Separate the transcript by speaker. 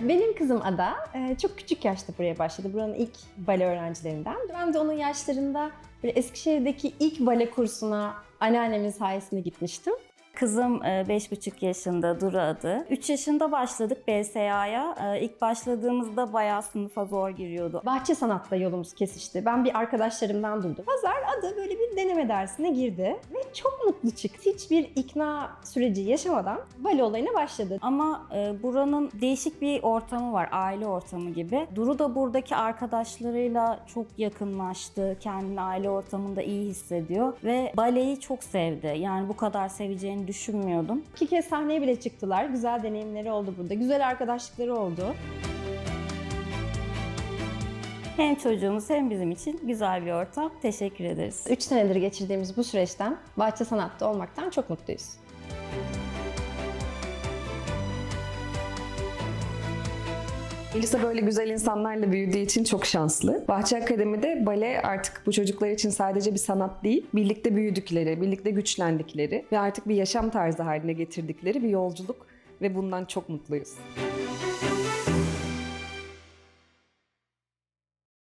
Speaker 1: Benim kızım Ada çok küçük yaşta buraya başladı. Buranın ilk bale öğrencilerinden. Ben de onun yaşlarında böyle Eskişehir'deki ilk bale kursuna anneannemin sayesinde gitmiştim.
Speaker 2: Kızım 5,5 yaşında, Duru adı. 3 yaşında başladık BSA'ya. İlk başladığımızda bayağı sınıfa zor giriyordu.
Speaker 1: Bahçe sanatla yolumuz kesişti. Ben bir arkadaşlarımdan duydum. Pazar Ada böyle bir deneme dersine girdi ve çok mutlu çıktı. Hiçbir ikna süreci yaşamadan bale olayına başladı.
Speaker 2: Ama buranın değişik bir ortamı var, aile ortamı gibi. Duru da buradaki arkadaşlarıyla çok yakınlaştı. Kendini aile ortamında iyi hissediyor ve baleyi çok sevdi. Yani bu kadar seveceğini düşünmüyordum.
Speaker 1: 2 kez sahneye bile çıktılar. Güzel deneyimleri oldu burada. Güzel arkadaşlıkları oldu.
Speaker 2: Hem çocuğumuz hem bizim için güzel bir ortam. Teşekkür ederiz.
Speaker 1: 3 senedir geçirdiğimiz bu süreçten, bahçe sanatta olmaktan çok mutluyuz.
Speaker 3: Elisa böyle güzel insanlarla büyüdüğü için çok şanslı. Bahçe Akademi'de bale artık bu çocuklar için sadece bir sanat değil, birlikte büyüdükleri, birlikte güçlendikleri ve artık bir yaşam tarzı haline getirdikleri bir yolculuk ve bundan çok mutluyuz.